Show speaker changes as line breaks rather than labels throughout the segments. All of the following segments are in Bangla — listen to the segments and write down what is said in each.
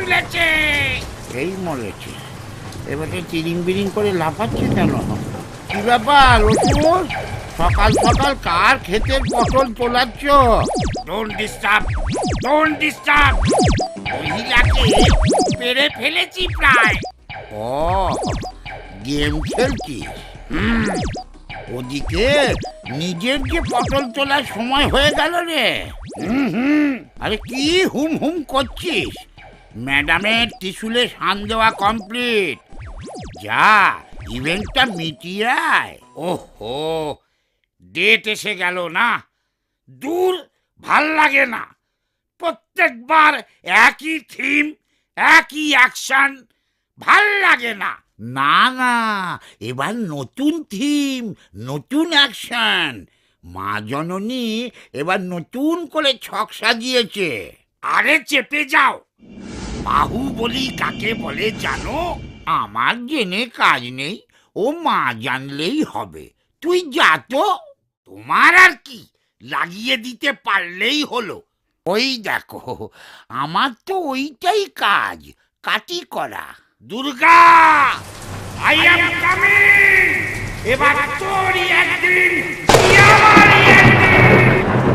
তুলেছে।
এই মরেছে, এবারে চিরিং বিরিং করে লাফাচ্ছে কেন? কি ব্যাপার অসুর, সকাল সকাল কার ক্ষেতের পটল তোলাচ্ছ?
Don't disturb, don't disturb. মহিলাকে পেরে ফেলেছি প্রায়।
ও, গেম খেলছিস? ওদিকে নিজের যে পটল তোলার সময় হয়ে গেল রে। আরে কি হুম হুম করছিস? ম্যাডামের ত্রিশুলে শান দেওয়া কমপ্লিট। যা, ইভেন্টটা মিটিয়ে আয়।
ওহো, ডেট এসে গেল না। দূর, ভাল লাগে না। প্রত্যেকবার একই থিম, একই অ্যাকশন, ভাল লাগে না।
না না, এবার নতুন থিম, নতুন অ্যাকশন। মা জননী এবার নতুন করে ছক সাজিয়েছে।
আরে চেপে যাও। বাহুবলী কাকে বলে জানো?
আমার জেনে কাজ নেই, ও মা জানলেই হবে। তুই যা তো।
তোমার আর কি, লাগিয়ে দিতে পারলেই হলো।
ওই দেখো, আমার তো ওইটাই কাজ, কাটি করা।
Durga, I am coming. এবার তোরই একদিন, আমারই একদিন।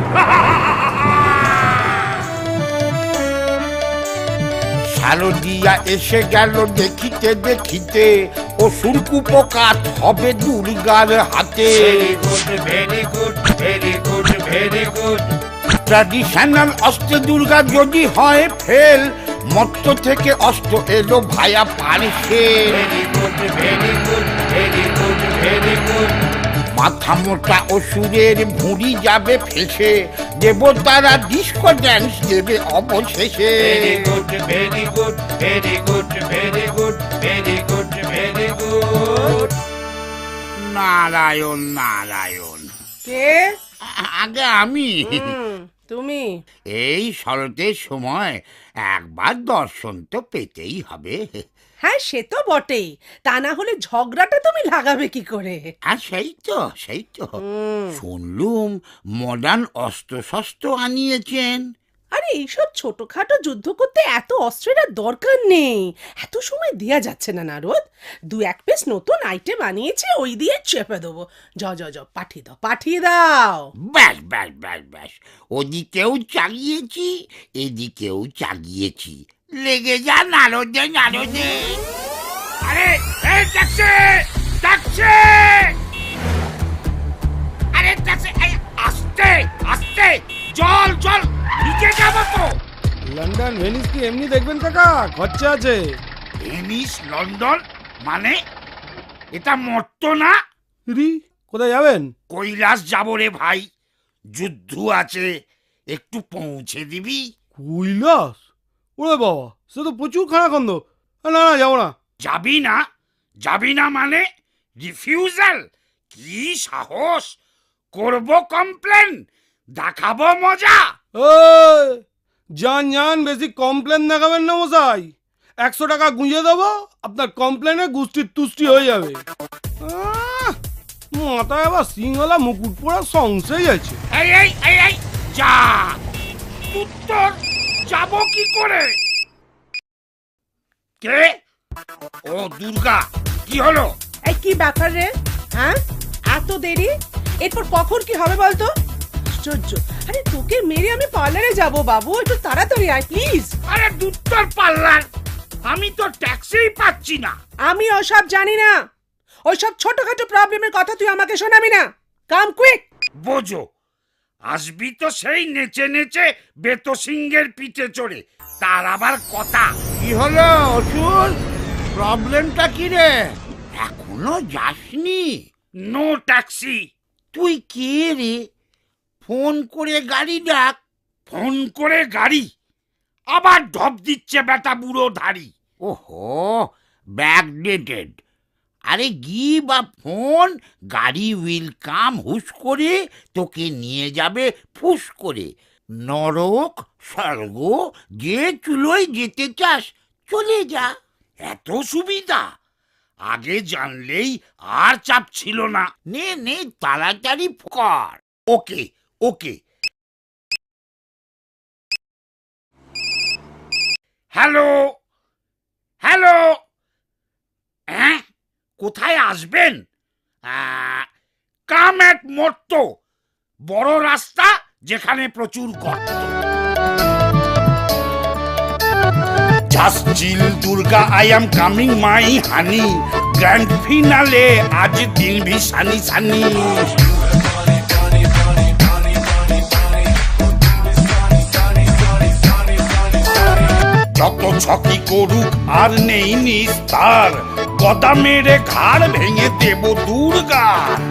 শারদিয়া এসে গেল দেখিতে দেখিতে, ও সুরকুপকাত হবে দুর্গার হাতে।
Very good, very good, very good.
Traditional অস্ত্রে দুর্গা যদি হয় ফেল, মত্ত থেকে অস্ত্র এলো ভায়া পারছে।
Very good, very good, very good, very good.
মাথা মোটা অসুরের ভুঁড়ি যাবে ফেসে, দেবতারা ডিস্কো ড্যান্স দেবে অবশেষে।
Very good, very good, very good, very good, very good, very good.
Narayan Narayan.
কে?
আগে আমি।
তুমি?
এই শরতের সময় একবার দর্শন তো পেতেই হবে।
হ্যাঁ, সে তো বটেই। তা না হলে ঝগড়াটা তুমি লাগাবে কি করে?
আর সেই তো শুনলুম মডার্ন অস্ত্র শস্ত্র আনিয়েছেন।
আরে এইসব ছোটখাটো যুদ্ধ করতে এত অস্ত্রের আর দরকার নেই। এত সময় দেয়া যাচ্ছে না নারদ। দু এক পিস নতুন আইটেম আনিয়েছে, ওই দিয়ে চেপে দেবো। যাও পাঠিয়ে দাও, পাঠিয়ে দাও।
ব্যাস ব্যাস ব্যাস ব্যাস, ওদিকেও চাগিয়েছি, এদিকেও চাগিয়েছি। লেগে যা নারদে নারদে।
আরে এই ট্যাক্সি, ট্যাক্সি। আরে ট্যাক্সি, আস্তে আস্তে। জল জল, নিচে যাবো তো।
লন্ডন ভেনিস কি এমনি দেখবেন কাকা? খরচা আছে।
ভেনিস লন্ডন মানে? এটা মর্ত না?
রি, কোথায় যাবেন?
কৈলাস যাবো রে ভাই, যুদ্ধ আছে, একটু পৌঁছে দিবি?
কৈলাস? ওরে বাবা, সে তো প্রচুর খানাখন্দ। না না, যাবো না।
যাবি না? যাবি না মানে রিফিউজাল? কি সাহস! করব কমপ্লেন, দেখাবো মজা।
ওই যান, বেশি কমপ্লেন দেখাবেন না মশাই। 100 টাকা গুঁজে দেবো, আপনার কমপ্লেনে গুষ্টির তুষ্টি হয়ে যাবে। মাথায় আবার সিংহলা মুকুট পরা সংশয় আছে।
এই এই এই এই যা, উত্তর যাব কি করে? কে? ও দুর্গা, কি হলো?
এই কি ব্যাপার রে? হ্যাঁ, এত দেরি? এরপর কখন কি হবে বলতো? আশ্চর্য। আরে তোকে মেরে আমি পার্লারে যাব বাবু, একটু তাড়াতাড়ি আয় প্লিজ।
আরে দুত্তর পাল্লার, আমি তো ট্যাক্সিই পাচ্ছি না।
আমি ওসব জানি না। ওইসব ছোটখাটো প্রবলেমের কথা তুই আমাকে শোনাবি না। Come quick.
বোঝো, আসবি তো সেই নেচে নেচে বেতো সিংহের পিঠে চড়ে, তার আবার কথা।
কি হলো অসুর, প্রবলেমটা কি রে? এখনো যাসনি?
No taxi.
তুই কে রে? ফোন করে গাড়ি ডাক।
ফোন করে গাড়ি? আবার ঢপ দিচ্ছে বেটা বুড়ো ধাড়ি।
ওহো, ব্যাকডেটেড। আরে গিভ আ ফোন, গাড়ি উইল কাম হুশ করে, তোকে নিয়ে যাবে ফুস করে। নরক স্বর্গ যে চুলোয় যেতে চাস চলে যা।
এত সুবিধা? আগে জানলেই আর চাপ ছিল না।
নে নে, তাড়াতাড়ি কর।
ওকে ওকে। হ্যালো, হ্যালো, হ্যাঁ, কোথায় আসবেন? কাম এক মর্ত, বড় রাস্তা যেখানে প্রচুর গর্ত। Just chill Durga, I am coming my honey, grand finale আজ দিল ভি সানি সানি। যত ছকি করুক আর নেই নিস্তার, গদা মেরে ঘাড় ভেঙে দেব দুর্গা।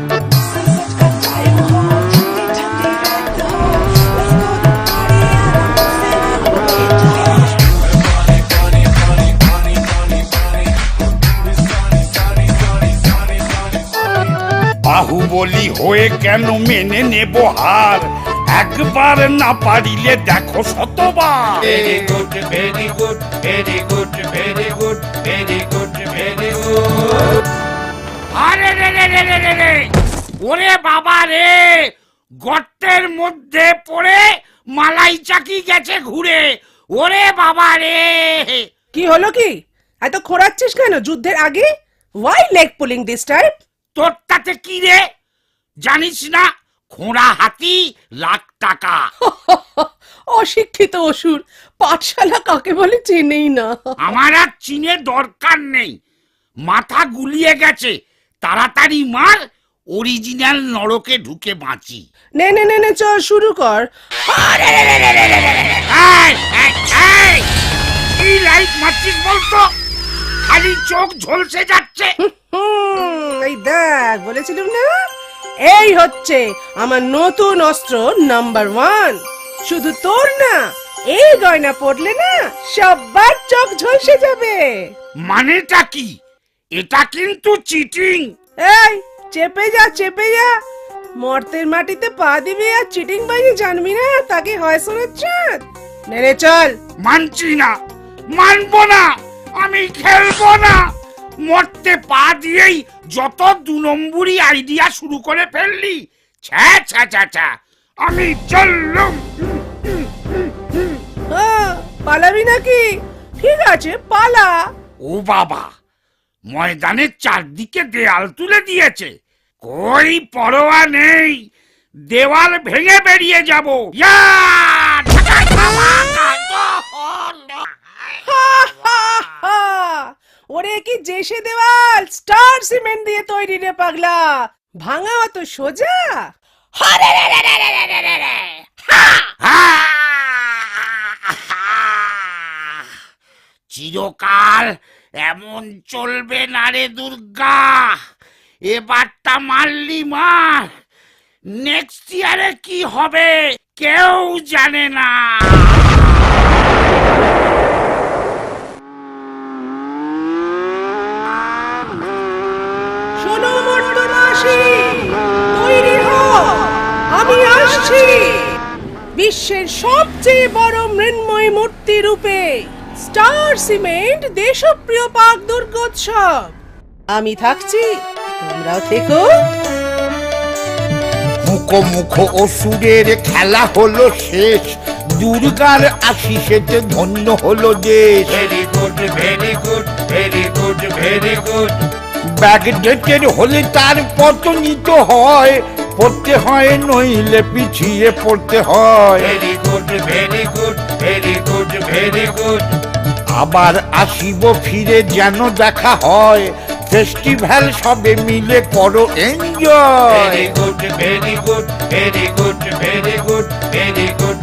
বাহুবলী হয়ে কেন মেনে নেব হার, একবার না পারিলে দেখো শতবার।
Very good, very good, very good, very good, very good, very good.
আরে রে রে রে রে রে রে, ওরে বাবা রে, গর্তের মধ্যে পড়ে মালাই চাকি গেছে ঘুরে, ওরে বাবা রে।
কি হলো কি? এত খোঁড়াচ্ছিস কেন যুদ্ধের আগে? Why leg pulling this time?
তোর তাতে কি রে? জানিস না, খোঁড়া হাতি লাখ টাকা।
অশিক্ষিত অসুর, পাঠশালা কাকে বলে চেনেই না।
আমার আর চিনে দরকার নেই, মাথা গুলিয়ে গেছে, তাড়াতাড়ি মার, অরিজিনাল নরকে ঢুকে বাঁচি।
নে নে নে নে, চল শুরু কর।
এই, এই, এই, কি লাইট মারছিস বলতো? খালি চোখ ঝলসে যাচ্ছে।
এই দেখ, বলেছিলাম না, এই হচ্ছে আমার নতুন অস্ত্র নাম্বার 1। শুধু তোর না, এই গয়না পড়লে না সবার চোখ ঝলসে যাবে।
মানেটা কি? এটা কিন্তু চিটিং।
এই চেপে যা, চেপে যা। মর্তের মাটিতে পা দিবি আর চিটিং বাজি জানবি না, তাকে হয় শোনাচ্ছে। নে রে চল।
মানছি না, মানবো না, আমি খেলবো না। মরতে পা দিয়েই যত 2 নম্বরই আইডিয়া শুরু করে ফেললি। ছ্যা ছ্যা ছ্যা ছ্যা, আমি চললুম।
পালাবি নাকি? ঠিক আছে, পালা।
ও বাবা, ময়দানের চারদিকে দেয়াল তুলে দিয়েছে, কই পরোয়া নেই, দেওয়াল ভেঙে বেরিয়ে যাব। ইয়া! ঢাকা খাওয়া
ওরে কি জেসে দেওয়াল স্টার সিমেন্ট দিয়ে তৈরি রে পাগলা, ভাঙা অত সোজা?
চিরকাল এমন চলবে না রে দুর্গা, এবারটা মারলি মার, নেক্সট ইয়ারে কি হবে কেউ জানে না।
শোনো মর্তবাসী, তৈরি হও, আমি আসছি বিশ্বের সবচেয়ে বড় মৃন্ময় মূর্তি রূপে। স্টার সিমেন্ট দেশপ্রিয় পাক দুর্গোৎসব। আমি থাকছি, তোমরাও থেকো।
মুখো অসুরের খেলা হলো শেষ, দুর্গার আশিসেতে ধন্য হলো দেশ।
Very good, very good, very good, very good.
Backdated হলে তার পতনিত হয়, পড়তে হয় নইলে পিছিয়ে পড়তে হয়।
Very good, very good, very good, very good.
আবার আসিব ফিরে যেন দেখা হয়, ফেস্টিভ্যাল সবে মিলে করো enjoy.
Very good, very good, very good, very good, very good.